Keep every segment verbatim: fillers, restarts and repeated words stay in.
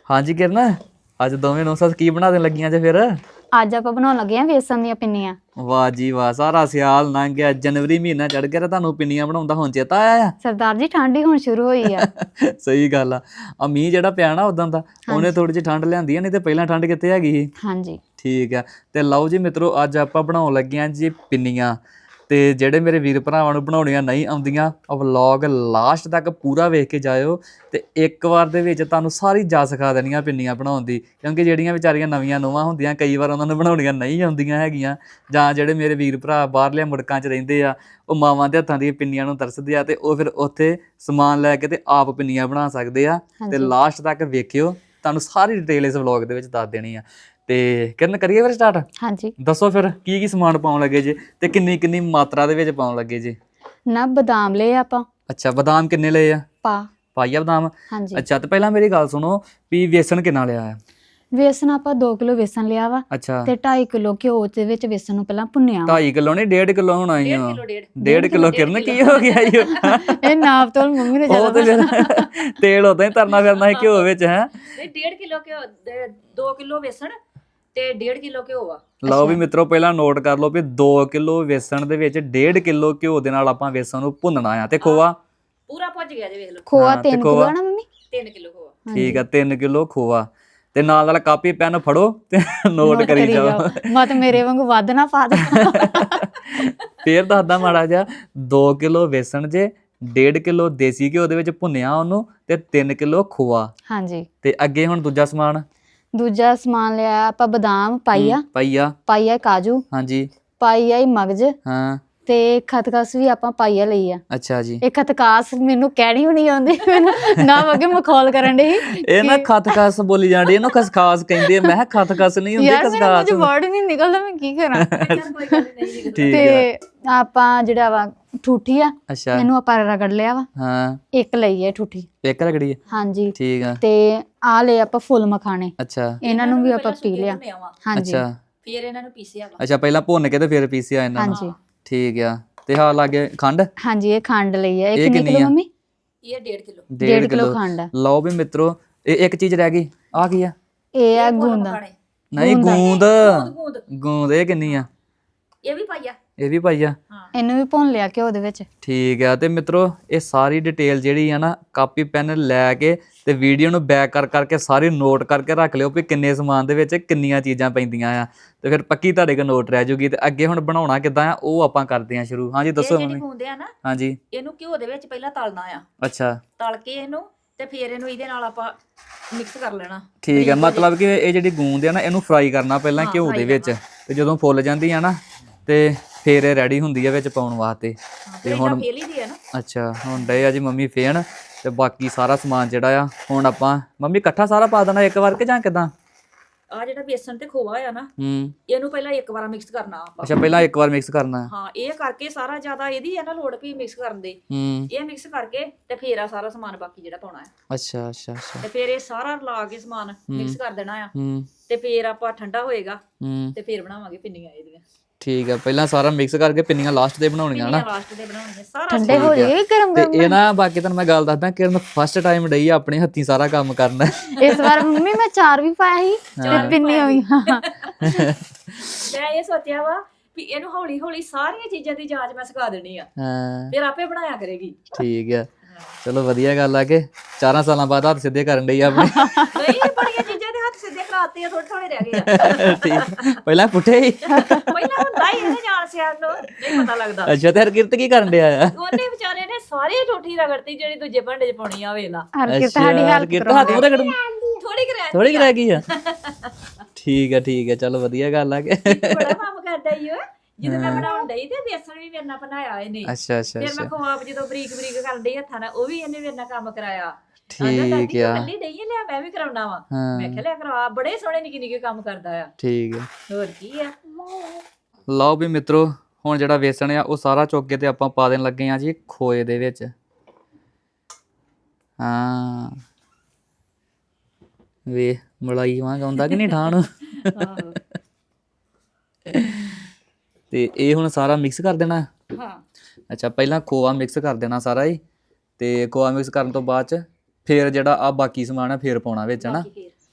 ਹਾਂਜੀ ਕਿਰਨ, ਅੱਜ ਦੋਵੇਂ ਨੌ ਸੱਸ ਕੀ ਬਣਾ ਦੇਣ ਲੱਗੀਆਂ ਜੇ ਫਿਰ? ਅੱਜ ਆਪਾਂ ਬਣਾਉਣ ਲੱਗੇ ਆ ਵੇਸਣ ਦੀਆਂ ਪਿੰਨੀਆਂ। ਵਾਹ ਜੀ ਵਾਹ, ਸਾਰਾ ਸਿਆਲ ਲੰਘ ਗਿਆ, ਜਨਵਰੀ ਮਹੀਨਾ ਚੜ ਗਿਆ ਤੇ ਤੁਹਾਨੂੰ ਪਿੰਨੀਆਂ ਬਣਾਉਂਦਾ ਹੁਣ ਚੇਤਾ ਆਇਆ ਆ। ਸਰਦਾਰ ਜੀ ਠੰਡ ਹੀ ਹੁਣ ਸ਼ੁਰੂ ਹੋਈ ਆ। ਸਹੀ ਗੱਲ ਆ। ਆ ਮੀਂਹ ਜਿਹੜਾ ਪਿਆ ਨਾ ਉਦਾਂ ਦਾ ਉਹਨੇ ਥੋੜੀ ਜਿਹੀ ਠੰਡ ਲਿਆਂਦੀ ਆ, ਨਹੀਂ ਤੇ ਪਹਿਲਾਂ ਠੰਡ ਕਿੱਥੇ ਹੈਗੀ ਸੀ। ਹਾਂਜੀ ਠੀਕ ਆ। ਤੇ ਲਓ ਜੀ ਮਿੱਤਰੋ, ਅੱਜ ਆਪਾਂ ਬਣਾਉਣ ਲੱਗੇ ਆ ਜੀ ਪਿੰਨੀਆਂ। ਤੇ ਜਿਹੜੇ ਮੇਰੇ ਵੀਰ ਭਰਾਵਾਂ ਨੂੰ ਬਣਾਉਣੀਆਂ ਨਹੀਂ ਆਉਂਦੀਆਂ, ਉਹ ਵਲੌਗ ਲਾਸਟ ਤੱਕ ਪੂਰਾ ਵੇਖ ਕੇ ਜਾਇਓ ਤੇ ਇੱਕ ਵਾਰ ਦੇ ਵਿੱਚ ਤੁਹਾਨੂੰ ਸਾਰੀ ਜਾ ਸਿਖਾ ਦੇਣੀਆਂ ਪਿੰਨੀਆਂ ਬਣਾਉਣ ਦੀ। ਕਿਉਂਕਿ ਜਿਹੜੀਆਂ ਵਿਚਾਰੀਆਂ ਨਵੀਆਂ ਨੂੰਹਾਂ ਹੁੰਦੀਆਂ, ਕਈ ਵਾਰ ਉਹਨਾਂ ਨੂੰ ਬਣਾਉਣੀਆਂ ਨਹੀਂ ਆਉਂਦੀਆਂ ਹੈਗੀਆਂ, ਜਾਂ ਜਿਹੜੇ ਮੇਰੇ ਵੀਰ ਭਰਾ ਬਾਹਰਲੇ ਮੁਲਕਾਂ 'ਚ ਰਹਿੰਦੇ ਆ, ਉਹ ਮਾਵਾਂ ਦੇ ਹੱਥਾਂ ਦੀਆਂ ਪਿੰਨੀਆਂ ਨੂੰ ਤਰਸਦੇ ਆ ਤੇ ਉਹ ਫਿਰ ਉੱਥੇ ਸਮਾਨ ਲੈ ਕੇ ਤੇ ਆਪ ਪਿੰਨੀਆਂ ਬਣਾ ਸਕਦੇ ਆ। ਤੇ ਲਾਸਟ ਤੱਕ ਵੇਖਿਓ, ਤੁਹਾਨੂੰ ਸਾਰੀ ਡਿਟੇਲ ਇਸ ਵਲੌਗ ਦੇ ਵਿੱਚ ਦੱਸ ਦੇਣੀ ਆ। ਤੇ ਕਿਰਨ ਕਰੀਏ ਫਿਰ ਸਟਾਰਟ? ਹਾਂਜੀ ਦੱਸੋ ਫਿਰ ਕੀ ਕੀ ਸਮਾਨ ਪਾਉਣ ਲੱਗੇ ਜੇ ਤੇ ਕਿੰਨੀ ਕਿੰਨੀ ਮਾਤਰਾ ਦੇ ਵਿੱਚ ਪਾਉਣ ਲੱਗੇ ਜੇ? ਨਾ ਬਦਾਮ ਲਏ ਆਪਾਂ। ਅੱਛਾ, ਬਦਾਮ ਕਿੰਨੇ ਲਏ ਆ? ਪਾ ਪਾਈਆ ਬਦਾਮ। ਹਾਂਜੀ। ਅੱਛਾ, ਤੇ ਪਹਿਲਾਂ ਮੇਰੀ ਗੱਲ ਸੁਣੋ ਵੀ ਵੇਸਣ ਕਿੰਨਾ ਲਿਆ ਆ? ਵੇਸਣ ਆਪਾਂ ਦੋ ਕਿਲੋ ਵੇਸਣ ਲਿਆ ਵਾ ਅੱਛਾ, ਤੇ ਢਾਈ ਕਿਲੋ ਘਿਓ ਦੇ ਵਿੱਚ ਵੇਸਣ ਨੂੰ ਪਹਿਲਾਂ ਭੁੰਨਿਆ ਵਾ। ਢਾਈ ਕਿਲੋ ਨਹੀਂ ਡੇਢ ਕਿਲੋ ਹੋਣਾ ਹੀ ਆ। ਡੇਢ ਕਿਲੋ ਕਿਰਨ ਕੀ ਹੋ ਗਿਆ ਈ? ਇਹ ਨਾਪ ਤੋਂ ਮੰਮੀ ਨੇ ਉਹ ਤੇ ਫਿਰ ਤੇਲ ਉਦਾਂ ਹੀ ਤਰਨਾ ਫਿਰਨਾ ਹੈ ਘਿਓ ਵਿੱਚ। ਹੈ ਡੇਢ ਕਿਲੋ ਘਿਓ, ਦੋ ਕਿਲੋ ਵੇਸਣ ਤੇ ਡੇਢ ਕਿਲੋ ਘਿਓ ਆ। ਲਓ ਵੀ ਮਿੱਤਰੋ, ਪਹਿਲਾਂ ਨੋਟ ਕਰ ਲਓ ਵੀ ਦੋ ਕਿਲੋ ਵੇਸਣ ਦੇ ਵਿੱਚ ਡੇਢ ਕਿਲੋ ਘਿਓ ਦੇ ਨਾਲ ਆਪਾਂ ਵੇਸਣ ਨੂੰ ਭੁੰਨਣਾ ਆ। ਤੇ ਖੋਆ ਪੂਰਾ ਭੁੱਜ ਗਿਆ ਜੇ, ਵੇਖ ਲਓ। ਖੋਆ ਤਿੰਨ ਕਿਲੋ ਨਾ ਮੰਮੀ? ਤਿੰਨ ਕਿਲੋ ਖੋਆ। ਠੀਕ ਆ, ਤਿੰਨ ਕਿਲੋ ਖੋਆ। ਤੇ ਨਾਲ ਨਾਲ ਕਾਪੀ ਪੈਨ ਫੜੋ ਤੇ ਨੋਟ ਕਰੀ ਜਾਓ। ਮਤ ਮੇਰੇ ਵਾਂਗੂ ਵੱਧ ਨਾ ਪਾ ਦੇ। ਫੇਰ ਦੱਸਦਾ ਮਾੜਾ ਜਿਹਾ, ਦੋ ਕਿਲੋ ਵੇਸਣ ਜੇ, ਡੇਢ ਕਿਲੋ ਦੇਸੀ ਘਿਓ ਦੇ ਵਿੱਚ ਭੁੰਨਿਆ ਉਹਨੂੰ, ਤੇ ਤਿੰਨ ਕਿਲੋ ਖੋਆ। ਹਾਂਜੀ। ਤੇ ਅੱਗੇ ਹੁਣ ਦੂਜਾ ਸਮਾਨ? ਦੂਜਾ ਸਮਾਨ ਲਿਆ ਆਪਾਂ ਬਦਾਮ ਪਾਈਆ, ਪਾਈਆ। ਪਾਈਆ ਕਾਜੂ, ਹਾਂਜੀ। ਪਾਈਆ ਹੀ ਮਗਜ, ਹਾਂ। ਤੇ ਖਤਖਸ ਵੀ ਆਪਾਂ ਪਾਈਆ ਲਈ ਆ। ਅੱਛਾ ਜੀ। ਇਹ ਖਤਕਾਸ ਮੈਨੂੰ ਕਹਿਣੀ ਵੀ ਨਹੀਂ ਆਉਂਦੀ, ਮੈਨੂੰ ਨਾ ਅੱਗੇ ਮਖੌਲ ਕਰਨ ਦੇ। ਇਹ ਨਾ ਖਤਖਸ ਬੋਲੀ ਜਾਂਦੀ, ਇਹਨੂੰ ਖਸਖਾਸ ਕਹਿੰਦੇ ਆ। ਮੈਂ ਕਿਹਾ ਖਤਖਸ ਨਹੀਂ ਹੁੰਦੀ, ਖਸਖਾਸ। ਯਾਰ ਵਰਡ ਨਹੀਂ ਨਿਕਲਦਾ, ਮੈਂ ਕੀ ਕਰਾਂ। ਠੀਕ ਤੇ ਆਪਾਂ ਜਿਹੜਾ ਵਾ ਠੂਠੀ ਆ, ਅੱਛਾ, ਇਹਨੂੰ ਆਪਾਂ ਰਗੜ ਲਿਆ ਵਾ। ਹਾਂ, ਇੱਕ ਲਈ ਹੈ ਠੂਠੀ। ਇੱਕ ਰਗੜੀ? ਹਾਂਜੀ। ਠੀਕ ਆ। ਤੇ ਆ ਲਏ ਆਪਾਂ ਫੁੱਲ ਮਖਾਣੇ। ਅੱਛਾ। ਇਹਨਾਂ ਨੂੰ ਵੀ ਆਪਾਂ ਪੀ ਲਿਆ। ਹਾਂਜੀ। ਅੱਛਾ, ਫਿਰ ਇਹਨਾਂ ਨੂੰ ਪੀਸਿਆ ਵਾ। ਅੱਛਾ, ਪਹਿਲਾਂ ਭੁੰਨ ਕੇ ਤੇ ਫਿਰ ਪੀਸਿਆ ਇਹਨਾਂ ਨੂੰ। ਹਾਂਜੀ। ਠੀਕ ਆ। ਤੇ ਹਾਂ ਲਾਗੇ ਖੰਡ? ਹਾਂਜੀ, ਇਹ ਖੰਡ ਲਈ ਹੈ। ਇਹ ਇਹ ਕਿੰਨੀ ਕਿੰਨੀ ਕਿਲੋ ਆ? ਮੰਮੀ? ਇਹ ਡੇਢ ਕਿਲੋ। ਡੇਢ ਕਿਲੋ ਖੰਡ ਆ। ਲਓ ਵੀ ਮਿੱਤਰੋ, ਇਹ ਇੱਕ ਚੀਜ਼ ਰਹਿ ਗਈ। ਆ ਕੀ ਆ? ਇਹ ਆ ਗੂੰਦਾ। ਨਹੀਂ, ਗੂੰਦ। ਗੂੰਦ। ਗੂੰਦ ਇਹ ਕਿੰਨੀ ਆ? ਇਹ ਵੀ ਪਾਈਆ। ਇਹ ਵੀ ਪਾਈਆ। ਇਹਨੂੰ ਵੀ ਭੁੰਨ ਲਿਆ ਘਿਓ ਦੇ ਵਿੱਚ। ਠੀਕ ਆ। ਤੇ ਮਿੱਤਰੋ, ਇਹ ਸਾਰੀ ਡਿਟੇਲ ਜਿਹੜੀ ਆ ਨਾ, ਕਾਪੀ ਪੈਨ ਲੈ ਕੇ ਤੇ ਵੀਡੀਓ ਨੂੰ ਬੈਕ ਕਰ ਕਰਕੇ ਸਾਰੀ ਨੋਟ ਕਰਕੇ ਰੱਖ ਲਿਓ ਵੀ ਕਿੰਨੇ ਸਮਾਨ ਦੇ ਵਿੱਚ ਕਿੰਨੀਆਂ ਚੀਜ਼ਾਂ ਪੈਂਦੀਆਂ ਆ। ਤੇ ਫਿਰ ਪੱਕੀ ਤੁਹਾਡੇ ਕੋਲ ਨੋਟ ਰਹਿ ਜੂਗੀ। ਤੇ ਅੱਗੇ ਹੁਣ ਬਣਾਉਣਾ ਕਿੱਦਾਂ ਆ ਉਹ ਆਪਾਂ ਕਰਦੇ ਆ ਸ਼ੁਰੂ। ਹਾਂਜੀ ਦੱਸੋ ਜਿਹੜੀ ਮੰਮੀ। ਗੂੰਦ ਆ ਨਾ, ਹਾਂਜੀ। ਇਹਨੂੰ ਘਿਓ ਦੇ ਵਿੱਚ ਪਹਿਲਾਂ ਤਲਣਾ ਆ। ਅੱਛਾ। ਤਲ ਕੇ ਇਹਨੂੰ ਤੇ ਫਿਰ ਇਹਨੂੰ ਇਹਦੇ ਨਾਲ ਆਪਾਂ ਮਿਕਸ ਕਰ ਲੈਣਾ। ਠੀਕ ਹੈ, ਮਤਲਬ ਕਿ ਇਹ ਜਿਹੜੀ ਗੂੰਦ ਆ ਨਾ, ਇਹਨੂੰ ਫਰਾਈ ਕਰਨਾ ਪਹਿਲਾਂ ਘਿਓ ਦੇ ਵਿੱਚ। ਤੇ ਜਦੋਂ ਫੁੱਲ ਜਾਂਦੀ ਆ ਨਾ, ਤੇ ਫਿਰ ਇਹ ਰੈਡੀ ਹੁੰਦੀ ਆ ਵਿੱਚ ਪਾਉਣ ਵਾਸਤੇ। ਤੇ ਹੁਣ ਫੇਲੀ ਦੀ ਆ ਨਾ। ਅੱਛਾ, ਹੁਣ ਡੇ ਆ ਜੀ ਮੰਮੀ ਫੇਣ। ਤੇ ਬਾਕੀ ਸਾਰਾ ਸਮਾਨ ਜਿਹੜਾ ਆ ਹੁਣ ਆਪਾਂ ਮੰਮੀ ਇਕੱਠਾ ਸਾਰਾ ਪਾ ਦੇਣਾ ਇੱਕ ਵਾਰ ਕਿ ਜਾਂ ਕਿਦਾਂ? ਆ ਜਿਹੜਾ ਬੇਸਣ ਤੇ ਖੋਆ ਆ ਨਾ, ਹੂੰ। ਇਹਨੂੰ ਪਹਿਲਾਂ ਇੱਕ ਵਾਰ ਮਿਕਸ ਕਰਨਾ ਆਪਾਂ। ਅੱਛਾ, ਪਹਿਲਾਂ ਇੱਕ ਵਾਰ ਮਿਕਸ ਕਰਨਾ? ਹਾਂ, ਇਹ ਕਰਕੇ ਸਾਰਾ ਜ਼ਿਆਦਾ ਇਹਦੀ ਆ ਨਾ ਲੋੜ ਵੀ ਮਿਕਸ ਕਰਨ ਦੀ। ਹੂੰ। ਇਹ ਮਿਕਸ ਕਰਕੇ ਤੇ ਫੇਰ ਆ ਸਾਰਾ ਸਮਾਨ ਬਾਕੀ ਜਿਹੜਾ ਪਾਉਣਾ ਹੈ। ਅੱਛਾ ਅੱਛਾ ਅੱਛਾ। ਤੇ ਫੇਰ ਇਹ ਸਾਰਾ ਲਾ ਕੇ ਸਮਾਨ ਮਿਕਸ ਕਰ ਦੇਣਾ ਆ। ਹੂੰ। ਤੇ ਫੇਰ ਆਪਾਂ ਠੰਡਾ ਹੋਏਗਾ ਹੂੰ। ਤੇ ਫੇਰ ਬਣਾਵਾਂਗੇ ਪਿੰਨੀਆਂ ਇਹਦੀਆਂ। ਠੀਕ ਆ, ਪਹਿਲਾਂ ਸਾਰਾ ਮਿਕਸ ਕਰਕੇ ਪਿੰਨੀਆਂ ਲਾਸਟ ਦੇ ਬਣਾਉਣੀਆਂ ਨਾ? ਲਾਸਟ ਦੇ ਬਣਾਉਣੀਆਂ ਸਾਰਾ। ਠੰਡੇ ਹੋ ਜਾਏ ਗਰਮ ਤੇ ਗਰਮ। ਇਹ ਨਾ ਬਾਕੀ ਤੁਹਾਨੂੰ ਮੈਂ ਗੱਲ ਦੱਸਦਾ ਕਿ ਫਸਟ ਟਾਈਮ ਡਈ ਆ ਆਪਣੇ ਹੱਥੀਂ ਸਾਰਾ ਕੰਮ ਕਰਨਾ। ਇਸ ਵਾਰ ਮੰਮੀ ਮੈਂ ਚਾਰ ਵੀ ਪਾਇਆ ਸੀ ਤੇ ਪਿੰਨੀ ਹੋਈ। ਮੈਂ ਇਹ ਸੋਚਿਆ ਵਾ ਵੀ ਇਹਨੂੰ ਹੌਲੀ ਹੌਲੀ ਸਾਰੀਆਂ ਚੀਜ਼ਾਂ ਦੀ ਜਾਂਚ ਮੈਂ ਸਿਖਾ ਦੇਣੀ ਆ। ਹਾਂ, ਫਿਰ ਆਪੇ ਬਣਾਇਆ ਕਰੇਗੀ। ਠੀਕ ਆ। ਚਲੋ ਵਧੀਆ ਗੱਲ ਆ ਕਿ ਚਾਰਾਂ ਸਾਲਾਂ ਬਾਅਦ ਹੱਥ ਸਿੱਧੇ ਕਰਨ ਡਈ ਆਪਣੇ। ਨਹੀਂ, ਬੜੀਆਂ ਚੀਜ਼ਾਂ ਦੇ ਹੱਥ ਸਿੱਧੇ ਕਰਾਤੇ ਆ, ਥੋੜੇ ਥੋੜੇ ਰਹਿ ਗਏ ਆ। ਠੀਕ, ਪਹਿਲਾਂ ਪੁੱਠੇ ਹੀ? ਪਹਿਲਾਂ ਹੁੰਦਾ ਹੀ ਇਹਨੇ ਜਾਣ ਸਿਆਣ ਨੂੰ ਨਹੀਂ ਪਤਾ ਲੱਗਦਾ। ਅੱਛਾ, ਤੇ ਹਰਕਿਰਤ ਕੀ ਕਰਨ ਡਿਆ ਆ? ਉਹਨੇ ਵਿਚਾਰੇ ਨੇ ਸਾਰੀ ਠੋਠੀ ਰਗੜਤੀ ਜਿਹੜੀ ਦੂਜੇ ਭਾਂਡੇ 'ਚ ਪਾਉਣੀ ਆ। ਵੇਲਾ ਹਰ ਕਿਤੇ ਸਾਡੀ ਹੈਲਪ ਹਰਕਿਰਤ ਹੱਥ ਮੂਹਰੇ ਕੱਢ ਥੋੜੀ ਕਰਿਆ ਥੋੜੀ ਰਹਿ ਗਈ ਆ। ਠੀਕ ਆ ਠੀਕ ਆ, ਚਲੋ ਵਧੀਆ ਗੱਲ ਆ ਕਿ ਬੜਾ ਕੰਮ ਕਰਦਾ ਈ ਉਹ। ਜਦੋਂ ਮੈਂ ਬਣਾਉਣ ਡਈ ਤੇ ਬੇਸਣ ਵੀ ਮੇਰੇ ਨਾਲ ਬਣਾਇਆ ਇਹਨੇ। ਅੱਛਾ ਅੱਛਾ ਫਿਰ ਮੈਂ ਖਵਾਬ ਜਦੋਂ ਬਰੀਕ ਬਰੀਕ ਕਰਨ ਡਈ ਹੱਥਾਂ ਨਾਲ, ਉਹ ਵੀ ਇਹਨੇ ਮੇਰੇ ਨਾਲ ਕੰਮ ਕਰਾਇਆ। ਠੀਕ ਆ। ਕੱਲੀ ਡਈ ਲਿਆ, ਮੈਂ ਵੀ ਕਰਾਉਣਾ ਵਾ। ਮੈਂ ਕਿਹਾ ਲਿਆ ਕਰਾ, ਬੜੇ ਸੋਹਣੇ ਨਿੱਕੇ ਨਿੱਕੇ ਕੰਮ ਕਰਦਾ ਆ। ਠੀਕ ਆ। ਹੋਰ ਕੀ ਆ। ਲਓ ਵੀ ਮਿੱਤਰੋ, ਹੁਣ ਜਿਹੜਾ ਵੇਸਣ ਆ ਉਹ ਸਾਰਾ ਚੁੱਕ ਕੇ ਤੇ ਆਪਾਂ ਪਾ ਦੇਣ ਲੱਗੇ ਆ ਜੀ ਖੋਏ ਦੇ ਵਿੱਚ। ਹਾਂ, ਵੇ ਮਲਾਈ ਵਾਂਗ ਆਉਂਦਾ ਕਿ ਨਹੀਂ ਠਾਣ। ਤੇ ਇਹ ਹੁਣ ਸਾਰਾ ਮਿਕਸ ਕਰ ਦੇਣਾ? ਹਾਂ। ਅੱਛਾ, ਪਹਿਲਾਂ ਖੋਆ ਮਿਕਸ ਕਰ ਦੇਣਾ ਸਾਰਾ ਹੀ। ਤੇ ਖੋਆ ਮਿਕਸ ਕਰਨ ਤੋਂ ਬਾਅਦ ਚ ਫਿਰ ਜਿਹੜਾ ਆ ਬਾਕੀ ਸਮਾਨ ਆ ਫਿਰ ਪਾਉਣਾ ਵਿੱਚ, ਹਨਾ?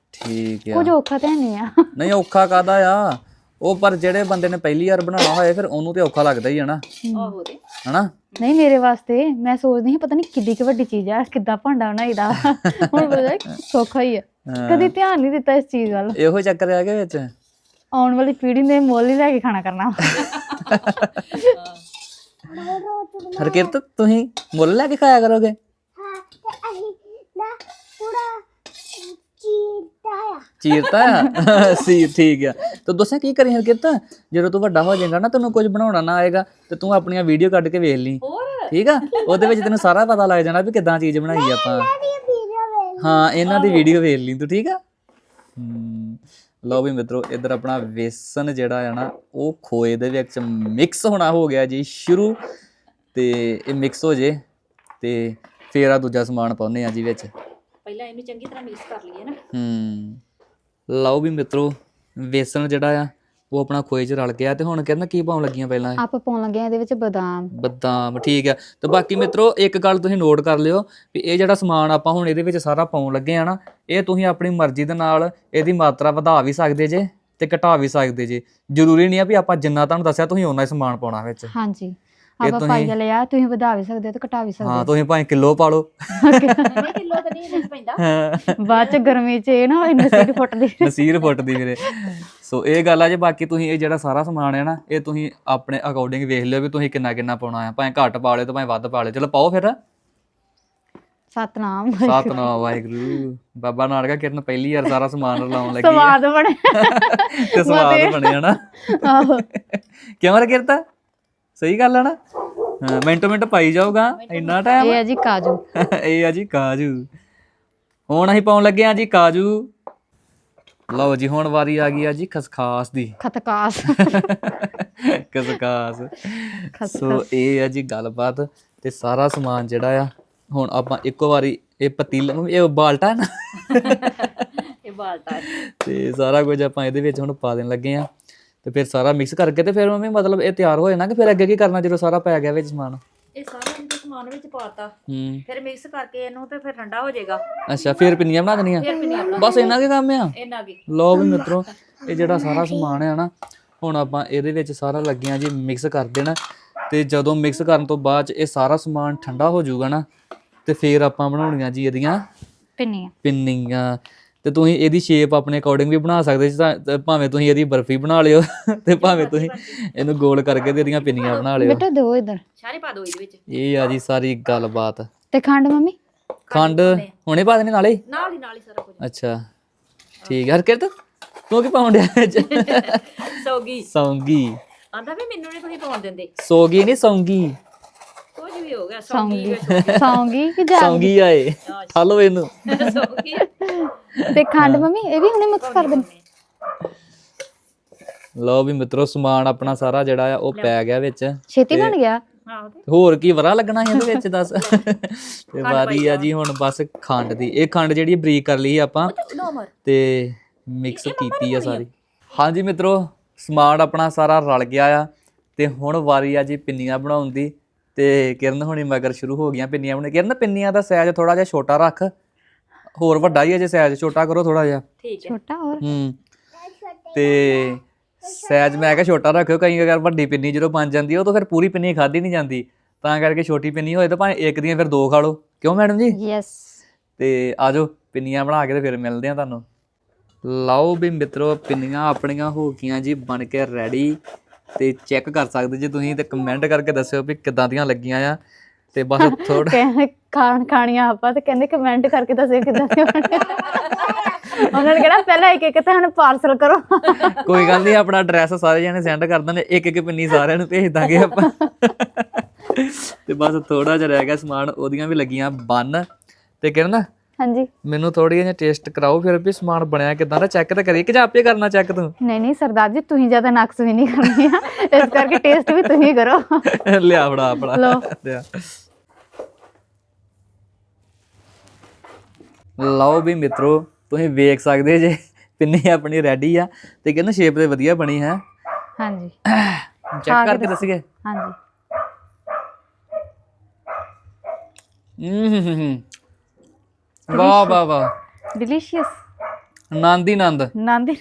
ਠੀਕ ਆ ਕੁਝ ਔਖਾ ਤਾਂ ਨਹੀਂ ਆ। ਨਹੀਂ ਔਖਾ ਕਾਦਾ ਆ ਉਹ, ਪਰ ਜਿਹੜੇ ਬੰਦੇ ਨੇ ਪਹਿਲੀ ਵਾਰ ਬਣਾਉਣਾ ਹੋਏ ਫਿਰ ਉਹਨੂੰ ਤੇ ਔਖਾ ਲੱਗਦਾ ਹੀ ਹੈ ਨਾ, ਆਹੋ ਤੇ ਹਨਾ। ਨਹੀਂ ਮੇਰੇ ਵਾਸਤੇ ਮੈਂ ਸੋਚਦੀ ਸੀ ਪਤਾ ਨਹੀਂ ਕਿੱਡੀ ਕੁ ਵੱਡੀ ਚੀਜ਼ ਆ, ਕਿੱਦਾਂ ਭਾਂਡਾ ਬਣਾਈਦਾ। ਹੁਣ ਪਤਾ ਸੌਖਾ ਹੀ ਆ, ਕਦੀ ਧਿਆਨ ਨਹੀਂ ਦਿੱਤਾ ਇਸ ਚੀਜ਼ ਵੱਲ। ਇਹੋ ਚੱਕਰ ਆ ਕੇ ਵਿੱਚ ਆਉਣ ਵਾਲੀ ਪੀੜ੍ਹੀ ਨੇ ਮੁੱਲ ਹੀ ਲੈ ਕੇ ਖਾਣਾ ਕਰਨਾ। ਹਰਕਿਰਤ ਤੁਸੀਂ ਮੁੱਲ ਲੈ ਕੇ ਖਾਇਆ ਕਰੋਗੇ? ਚੀਰਤਾ ਆ ਸੀ, ਠੀਕ ਆ। ਤੂੰ ਦੱਸਿਆ ਕੀ ਕਰੀ ਹਰਕਿਰਤ, ਜਦੋਂ ਤੂੰ ਵੱਡਾ ਹੋ ਜਾਏਗਾ ਨਾ ਤੈਨੂੰ ਕੁਝ ਬਣਾਉਣਾ ਨਾ ਆਏਗਾ ਤੇ ਤੂੰ ਆਪਣੀਆਂ ਵੀਡੀਓ ਕੱਢ ਕੇ ਵੇਖ ਲਈ, ਹੋਰ ਠੀਕ ਆ। ਉਹਦੇ ਵਿੱਚ ਤੈਨੂੰ ਸਾਰਾ ਪਤਾ ਲੱਗ ਜਾਣਾ ਵੀ ਕਿੱਦਾਂ ਚੀਜ਼ ਬਣਾਈ ਆਪਾਂ। ਹਾਂ ਇਹਨਾਂ ਦੀ ਵੀਡੀਓ ਵੇਖ ਲਈ ਤੂੰ, ਠੀਕ ਆ। ਹਮ ਲਓ ਵੀ ਮਿੱਤਰੋ, ਇੱਧਰ ਆਪਣਾ ਵੇਸਣ ਜਿਹੜਾ ਆ ਨਾ ਉਹ ਖੋਏ ਦੇ ਵਿੱਚ ਮਿਕਸ ਹੋਣਾ ਹੋ ਗਿਆ ਜੀ ਸ਼ੁਰੂ, ਤੇ ਇਹ ਮਿਕਸ ਹੋ ਜੇ ਤੇ ਫੇਰ ਆ ਦੂਜਾ ਸਮਾਨ ਪਾਉਂਦੇ ਆ ਜੀ ਵਿੱਚ। ਪਹਿਲਾਂ ਇਹਨੂੰ ਚੰਗੀ ਤਰ੍ਹਾਂ ਮਿਕਸ ਕਰ ਲਈਏ ਨਾ। ਹੂੰ ਲਓ ਵੀ ਮਿੱਤਰੋ, ਵੇਸਣ ਜਿਹੜਾ ਆ ਉਹ ਆਪਣਾ ਖੋਏ 'ਚ ਰਲ ਗਿਆ, ਤੇ ਹੁਣ ਕਹਿੰਦਾ ਕੀ ਪਾਉਣ ਲੱਗੀਆਂ ਪਹਿਲਾਂ? ਆਪਾਂ ਪਾਉਣ ਲੱਗੇ ਆ ਇਹਦੇ ਵਿੱਚ ਬਦਾਮ। ਬਦਾਮ, ਠੀਕ ਆ। ਤੇ ਬਾਕੀ ਮਿੱਤਰੋ ਇੱਕ ਗੱਲ ਤੁਸੀਂ ਨੋਟ ਕਰ ਲਿਓ ਵੀ ਇਹ ਜਿਹੜਾ ਸਮਾਨ ਆਪਾਂ ਹੁਣ ਇਹਦੇ ਵਿੱਚ ਸਾਰਾ ਪਾਉਣ ਲੱਗੇ ਆ ਨਾ, ਇਹ ਤੁਸੀਂ ਆਪਣੀ ਮਰਜ਼ੀ ਦੇ ਨਾਲ ਇਹਦੀ ਮਾਤਰਾ ਵਧਾ ਵੀ ਸਕਦੇ ਜੇ ਤੇ ਘਟਾ ਵੀ ਸਕਦੇ ਜੇ। ਜ਼ਰੂਰੀ ਨਹੀਂ ਆ ਵੀ ਆਪਾਂ ਜਿੰਨਾ ਤੁਹਾਨੂੰ ਦੱਸਿਆ ਤੁਸੀਂ ਓਨਾ ਹੀ ਸਮਾਨ ਪਾਉਣਾ ਵਿੱਚ। ਹਾਂਜੀ ਆਪਾਂ ਪਾਈਆ ਲਿਆ, ਤੁਸੀਂ ਵਧਾ ਵੀ ਸਕਦੇ ਹੋ ਤੇ ਘਟਾ ਵੀ ਸਕਦੇ ਹਾਂ ਹੋ। ਤੁਸੀਂ ਭਾਵੇਂ ਕਿਲੋ ਪਾ ਲਓ, ਨਹੀਂ ਕਿਲੋ ਤਾਂ ਨਹੀਂ ਇਹਦੇ 'ਚ ਪੈਂਦਾ। ਬਾਅਦ ਚ ਗਰਮੀ ਚ ਇਹ ਨਾ ਇੰਨੇ ਸਿਰ ਫੁੱਟਦੀ। ਨਸੀਰ ਫੁੱਟਦੀ ਵੀਰੇ। ਸੋ ਇਹ ਗੱਲ ਆ ਜੇ। ਬਾਕੀ ਤੁਸੀਂ ਇਹ ਜਿਹੜਾ ਸਾਰਾ ਸਮਾਨ ਹੈ ਨਾ ਇਹ ਤੁਸੀਂ ਆਪਣੇ ਅਕੋਰਡਿੰਗ ਵੇਖ ਲਿਓ ਵੀ ਤੁਸੀਂ ਕਿੰਨਾ ਕਿੰਨਾ ਪਾਉਣਾ ਆ, ਭਾਵੇਂ ਘੱਟ ਪਾ ਲਿਓ ਤੇ ਭਾਵੇਂ ਵੱਧ ਪਾ ਲਿਓ। ਚਲੋ ਪਾਓ ਫਿਰ। ਸਤਨਾਮ ਸਤਨਾਮ ਵਾਹਿਗੁਰੂ। ਬਾਬਾ ਨਾਨਕਾ ਕਿਰਨ ਪਹਿਲੀ ਵਾਰ ਸਾਰਾ ਸਮਾਨ ਰਲਾਉਣ ਲੱਗੀ ਆ ਸਵਾਦ ਬਣੇ ਤੇ ਸਵਾਦ ਬਣਿਆ ਨਾ। ਆਹੋ ਕਿਉਂ ਕਿਰਤਾ ਸਹੀ ਗੱਲ ਆ ਨਾ। ਹਾਂ ਮਿੰਟੋ ਮਿੰਟ ਪਾਈ ਜਾਊਗਾ, ਇੰਨਾ ਟਾਈਮ। ਇਹ ਆ ਜੀ ਕਾਜੂ। ਇਹ ਆ ਜੀ ਕਾਜੂ। ਹੁਣ ਅਸੀਂ ਪਾਉਣ ਲੱਗੇ ਆ ਜੀ ਕਾਜੂ। ਲਓ ਜੀ ਹੁਣ ਵਾਰੀ ਆ ਗਈ ਆ ਜੀ ਖਸਖਾਸ ਦੀ। ਖਤਕਾਸ ਖਸਖਾਸ। ਸੋ ਇਹ ਆ ਜੀ ਗੱਲਬਾਤ, ਤੇ ਸਾਰਾ ਸਮਾਨ ਜਿਹੜਾ ਆ ਹੁਣ ਆਪਾਂ ਇੱਕੋ ਵਾਰੀ ਇਹ ਪਤੀਲਾ, ਇਹ ਬਾਲਟਾ ਹੈ ਨਾ, ਇਹ ਬਾਲਟਾ ਹੈ। ਤੇ ਸਾਰਾ ਕੁਝ ਆਪਾਂ ਇਹਦੇ ਵਿੱਚ ਹੁਣ ਪਾ ਦੇਣ ਲੱਗੇ ਆ, ਤੇ ਫਿਰ ਸਾਰਾ ਮਿਕਸ ਕਰਕੇ ਤੇ ਫਿਰ ਮੰਮੀ ਮਤਲਬ ਇਹ ਤਿਆਰ ਹੋ ਜਾਣਾ ਕਿ ਫਿਰ ਅੱਗੇ ਕੀ ਕਰਨਾ ਜਦੋਂ ਸਾਰਾ ਪੈ ਗਿਆ ਵਿੱਚ ਸਮਾਨ? ਇਹ ਸਾਰਾ ਇਹਦੇ ਸਮਾਨ ਵਿੱਚ ਪਾਤਾ, ਹੂੰ ਫਿਰ ਮਿਕਸ ਕਰਕੇ ਇਹਨੂੰ ਤੇ ਫਿਰ ਠੰਡਾ ਹੋ ਜਾਏਗਾ। ਅੱਛਾ ਫਿਰ ਪਿੰਨੀਆਂ ਬਣਾ ਦੇਣੀਆਂ? ਫਿਰ ਪਿੰਨੀਆਂ ਬਣਾ ਬਸ ਇੰਨਾ ਕੀ ਕੰਮ ਆ? ਇਹਨਾਂ ਕੀ। ਲਓ ਵੀ ਮਿੱਤਰੋ, ਇਹ ਜਿਹੜਾ ਸਾਰਾ ਸਮਾਨ ਹੈ ਨਾ ਹੁਣ ਆਪਾਂ ਇਹਦੇ ਵਿੱਚ ਸਾਰਾ ਲੱਗਿਆ ਜੀ ਮਿਕਸ ਕਰ ਦੇਣਾ, ਤੇ ਜਦੋਂ ਮਿਕਸ ਕਰਨ ਤੋਂ ਬਾਅਦ ਚ ਇਹ ਸਾਰਾ ਸਮਾਨ ਠੰਡਾ ਹੋ ਜਾਊਗਾ ਨਾ ਤੇ ਫਿਰ ਆਪਾਂ ਬਣਾਉਣੀਆਂ ਜੀ ਇਹਦੀਆਂ ਪਿੰਨੀਆਂ। ਪਿੰਨੀਆਂ। ਤੇ ਤੁਸੀਂ ਇਹਦੀ ਸ਼ੇਪ ਆਪਣੇ ਅਕੋਰਡਿੰਗ ਵੀ ਬਣਾ ਸਕਦੇ ਜੀ, ਤਾਂ ਭਾਵੇਂ ਤੁਸੀਂ ਇਹਦੀ ਬਰਫੀ ਬਣਾ ਲਿਓ ਤੇ ਭਾਵੇਂ ਤੁਸੀਂ ਇਹਨੂੰ ਗੋਲ ਕਰਕੇ ਤੇ ਇਹਦੀਆਂ ਪਿੰਨੀਆਂ ਬਣਾ ਲਿਓ। ਬੇਟਾ ਦਿਓ ਇੱਧਰ। ਸਾਰੇ ਪਾ ਦਿਓ ਇਹਦੇ ਵਿੱਚ। ਇਹ ਆ ਜੀ ਸਾਰੀ ਗੱਲਬਾਤ। ਤੇ ਖੰਡ ਮੰਮੀ? ਖੰਡ ਹੁਣੇ ਪਾ ਦੇਣੀ ਨਾਲੇ? ਨਾਲ ਹੀ ਨਾਲ ਹੀ ਸਾਰਾ ਕੁਝ। ਅੱਛਾ ਠੀਕ ਹੈ। ਹਰਕਿਰਤ ਤੂੰ ਕੀ ਪਾਉਣ ਡਿਆ ਵਿੱਚ? ਸੌਗੀ। ਸੌਂਗੀ। ਆਂਦਾ ਵੀ ਮੈਨੂੰ ਨਹੀਂ ਤੁਸੀਂ ਪਾਉਣ ਦਿੰਦੇ। ਸੌਗੀ ਨਹੀਂ ਸੌਂਗੀ। ਕੁਝ ਵੀ ਹੋ ਗਿਆ। ਸੌਗੀ ਸੌਂਗੀ ਕਿ ਜਾ ਸੌਂਗੀ ਆਏ ਠਾਲੋ ਇਹਨੂੰ। ਸੌਗੀ। ਤੇ ਖੰਡ ਮੰਮੀ ਇਹ ਵੀ ਹੁਣੇ ਮਿਕਸ ਕਰ ਦੇਣੀ। ਲਓ ਵੀ ਮਿੱਤਰੋ ਸਮਾਨ ਆਪਣਾ ਸਾਰਾ ਜਿਹੜਾ ਆ ਉਹ ਪੈ ਗਿਆ ਵਿੱਚ। ਛੇਤੀ ਬਣ ਗਿਆ। ਆਹੋ ਤੇ ਹੋਰ ਕੀ ਵਰਾ ਲੱਗਣਾ ਸੀ ਇਹਦੇ ਵਿੱਚ ਦੱਸ। ਤੇ ਵਾਰੀ ਆ ਜੀ ਹੁਣ ਬਸ ਖੰਡ ਦੀ। ਇਹ ਖੰਡ ਜਿਹੜੀ ਬਰੀਕ ਕਰ ਲਈ ਆਪਾਂ ਤੇ ਮਿਕਸ ਕੀਤੀ ਆ ਸਾਰੀ। ਹਾਂਜੀ ਮਿੱਤਰੋ ਸਮਾਨ ਆਪਣਾ ਸਾਰਾ ਰਲ ਗਿਆ ਆ, ਤੇ ਹੁਣ ਵਾਰੀ ਆ ਜੀ ਪਿੰਨੀਆਂ ਬਣਾਉਣ ਦੀ। ਤੇ ਕਿਰਨ ਹੁਣੀ ਮਗਰ ਸ਼ੁਰੂ ਹੋ ਗਈਆਂ ਪਿੰਨੀਆਂ ਬਣਾਉਣ। ਕਿਰਨ ਪਿੰਨੀਆਂ ਦਾ ਸਾਈਜ਼ ਥੋੜਾ ਜਿਹਾ ਛੋਟਾ ਰੱਖ, ਹੋਰ ਵੱਡਾ ਹੀ ਅਜੇ ਸਾਈਜ਼ ਛੋਟਾ ਕਰੋ ਥੋੜਾ ਜਿਹਾ। ਠੀਕ ਹੈ। ਛੋਟਾ ਹੋਰ ਹੂੰ ਤੇ ਸਾਈਜ਼ ਮੈਂ ਕਿਹਾ ਛੋਟਾ ਰੱਖਿਓ, ਕਈ ਅਗਰ ਵੱਡੀ ਪਿੰਨੀ ਜਦੋਂ ਬਣ ਜਾਂਦੀ ਉਹ ਤਾਂ ਫਿਰ ਪੂਰੀ ਪਿੰਨੀ ਖਾਧੀ ਨਹੀਂ ਜਾਂਦੀ, ਤਾਂ ਕਰਕੇ ਛੋਟੀ ਪਿੰਨੀ ਹੋਏ ਤਾਂ ਭਾਵੇਂ ਇੱਕ ਦੀਆਂ ਫਿਰ ਦੋ ਖਾ ਲਓ। ਕਿਉਂ ਮੈਡਮ ਜੀ? ਯੈਸ। ਤੇ ਆ ਜਾਓ ਪਿੰਨੀਆਂ ਬਣਾ ਕੇ ਤੇ ਫਿਰ ਮਿਲਦੇ ਆ ਤੁਹਾਨੂੰ। ਲਓ ਵੀ ਮਿੱਤਰੋ ਪਿੰਨੀਆਂ ਆਪਣੀਆਂ ਹੋ ਗਈਆਂ ਜੀ ਬਣ ਕੇ ਰੈਡੀ, ਤੇ ਚੈੱਕ ਕਰ ਸਕਦੇ ਜੇ ਤੁਸੀਂ, ਤੇ ਕਮੈਂਟ ਕਰਕੇ ਦੱਸਿਓ ਵੀ ਕਿੱਦਾਂ ਦੀਆਂ ਲੱਗੀਆਂ ਆ। ਤੇ ਬਸ ਥੋੜਾ ਕਹਿੰਦੇ ਖਾਣ ਖਾਣੀਆਂ ਆਪਾਂ, ਤੇ ਕਹਿੰਦੇ ਕਮੈਂਟ ਕਰਕੇ ਦੱਸਿਓ ਕਿੱਦਾਂ ਦੇ ਬਣੇ। ਉਹਨਾਂ ਨੇ ਕਿਹਾ ਪਹਿਲਾਂ ਇੱਕ ਇੱਕ ਤੁਹਾਨੂੰ ਪਾਰਸਲ ਕਰੋ। ਕੋਈ ਗੱਲ ਨਹੀਂ, ਆਪਣਾ ਐਡਰੈਸ ਸਾਰੇ ਜਣੇ ਸੈਂਡ ਕਰ ਦਿੰਦੇ, ਇੱਕ ਇੱਕ ਪਿੰਨੀ ਸਾਰਿਆਂ ਨੂੰ ਭੇਜ ਦਾਂਗੇ ਆਪਾਂ। ਤੇ ਬਸ ਥੋੜਾ ਜਿਹਾ ਰਹਿ ਗਿਆ ਸਮਾਨ, ਉਹਦੀਆਂ ਵੀ ਲੱਗੀਆਂ ਬੰਨ। ਤੇ ਕਿਰਨ ਹਾਂਜੀ ਮੈਨੂੰ ਥੋੜੀ ਜਿਹੀ ਟੇਸਟ ਕਰਾਓ ਫਿਰ ਵੀ ਸਮਾਨ ਬਣਿਆ ਕਿਦਾਂ ਦਾ, ਚੈੱਕ ਤਾਂ ਕਰੀਏ ਕਿ ਜਾਂ ਆਪੇ ਕਰਨਾ ਚੈੱਕ ਤੂੰ? ਨਹੀਂ ਨਹੀਂ ਸਰਦਾਰ ਜੀ ਤੁਸੀਂ ਜ਼ਿਆਦਾ ਨਕਸ ਵੀ ਨਹੀਂ ਕਰਨੀ ਆ, ਇਸ ਕਰਕੇ ਟੇਸਟ ਵੀ ਤੁਸੀਂ ਕਰੋ। ਲਿਆ ਫੜਾ ਆਪਣਾ ਲਓ। ਲਿਆ। ਲਓ ਵੀ ਮਿੱਤਰੋ ਤੁਸੀਂ ਵੇਖ ਸਕਦੇ ਜੇ ਪਿੰਨੀ ਆਪਣੀ ਰੈਡੀ ਆ, ਤੇ ਕਹਿੰਦਾ ਸ਼ੇਪ ਤੇ ਵਧੀਆ ਬਣੀ ਹੈ। ਹਾਂਜੀ ਚੈੱਕ ਕਰਕੇ ਦੱਸੀਏ। ਹਾਂਜੀ ਹੂੰ ਵਾਹ ਵਾਹ ਵਾਹ ਡਿਲੀਸ਼ੀਅਸ। ਨੰਦ ਹੀ ਨੰਦ। ਨੰਦ ਹੀ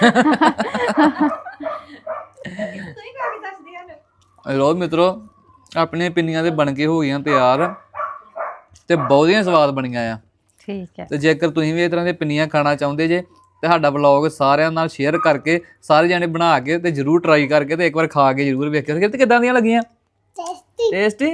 ਲੋ ਮਿੱਤਰੋ ਆਪਣੀਆਂ ਪਿੰਨੀਆਂ ਤੇ ਬਣ ਕੇ ਹੋ ਗਈਆਂ ਤਿਆਰ ਤੇ ਬਹੁਤੀਆਂ ਸਵਾਦ ਬਣੀਆਂ ਆ। ਠੀਕ ਹੈ। ਤੇ ਜੇਕਰ ਤੁਸੀਂ ਵੀ ਇਸ ਤਰ੍ਹਾਂ ਦੀਆਂ ਪਿੰਨੀਆਂ ਖਾਣਾ ਚਾਹੁੰਦੇ ਜੇ ਤੇ ਸਾਡਾ ਵਲੌਗ ਸਾਰਿਆਂ ਨਾਲ ਸ਼ੇਅਰ ਕਰਕੇ ਸਾਰੇ ਜਾਣੇ ਬਣਾ ਕੇ ਤੇ ਜਰੂਰ ਟਰਾਈ ਕਰਕੇ ਤੇ ਇੱਕ ਵਾਰ ਖਾ ਕੇ ਜਰੂਰ ਵੇਖਿਓ ਕਿ ਕਿੱਦਾਂ ਦੀਆਂ ਲੱਗੀਆਂ। Tasty tasty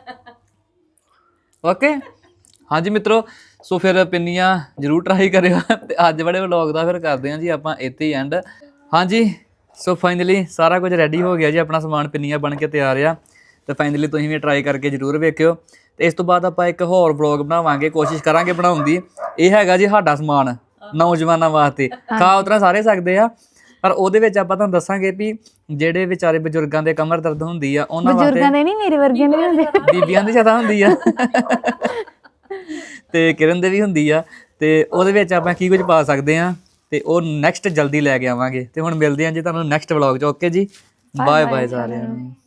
okay. ਹਾਂਜੀ ਮਿੱਤਰੋ ਸੋ ਫਿਰ ਪਿੰਨੀਆਂ ਜਰੂਰ ਟਰਾਈ ਕਰਿਓ ਤੇ ਅੱਜ ਵਾਲੇ ਵਲੌਗ ਦਾ ਫਿਰ ਕਰਦੇ ਹਾਂ ਜੀ ਆਪਾਂ ਇੱਥੇ ਹੀ ਐਂਡ। ਹਾਂਜੀ ਸੋ ਫਾਈਨਲੀ ਸਾਰਾ ਕੁਝ ਰੈਡੀ ਹੋ ਗਿਆ ਜੀ, ਆਪਣਾ ਸਮਾਨ ਪਿੰਨੀਆਂ ਬਣ ਕੇ ਤਿਆਰ ਆ ਤੇ ਫਾਈਨਲੀ ਤੁਸੀਂ ਵੀ ਟਰਾਈ ਕਰਕੇ ਜਰੂਰ ਵੇਖਿਓ। ਤੇ ਇਸ ਤੋਂ ਬਾਅਦ ਆਪਾਂ ਇੱਕ ਹੋਰ ਵਲੌਗ ਬਣਾਵਾਂਗੇ, ਕੋਸ਼ਿਸ਼ ਕਰਾਂਗੇ ਬਣਾਉਣ ਦੀ। ਇਹ ਹੈਗਾ ਜੀ ਸਾਡਾ ਸਮਾਨ ਨੌਜਵਾਨਾਂ ਵਾਸਤੇ, ਖਾ ਉਤਰਾ ਸਾਰੇ ਸਕਦੇ ਆ ਪਰ ਉਹਦੇ ਵਿੱਚ ਆਪਾਂ ਤੁਹਾਨੂੰ ਦੱਸਾਂਗੇ ਵੀ ਜਿਹੜੇ ਵਿਚਾਰੇ ਬਜ਼ੁਰਗਾਂ ਦੇ ਕਮਰ ਦਰਦ ਹੁੰਦੀ ਆ ਉਹਨਾਂ ਵਾਸਤੇ। ਬਜ਼ੁਰਗਾਂ ਦੇ ਨਹੀਂ, ਮੇਰੇ ਵਰਗਿਆਂ ਦੇ ਹੁੰਦੇ, ਬੀਬੀਆਂ ਦੀ ਜ਼ਿਆਦਾ ਹੁੰਦੀ ਆ ਤੇ ਕਿਰਨ ਦੇ ਵੀ ਹੁੰਦੀ ਆ। ਤੇ ਉਹਦੇ ਵਿੱਚ ਆਪਾਂ ਕੀ ਕੁਝ ਪਾ ਸਕਦੇ ਆ ਤੇ ਉਹ ਨੈਕਸਟ ਜਲਦੀ ਲੈ ਕੇ ਆਵਾਂਗੇ। ਤੇ ਹੁਣ ਮਿਲਦੇ ਆ ਜੀ ਤੁਹਾਨੂੰ ਨੈਕਸਟ ਵਲੌਗ 'ਚ। ਓਕੇ ਜੀ, ਬਾਏ ਬਾਏ ਸਾਰਿਆਂ ਨੂੰ।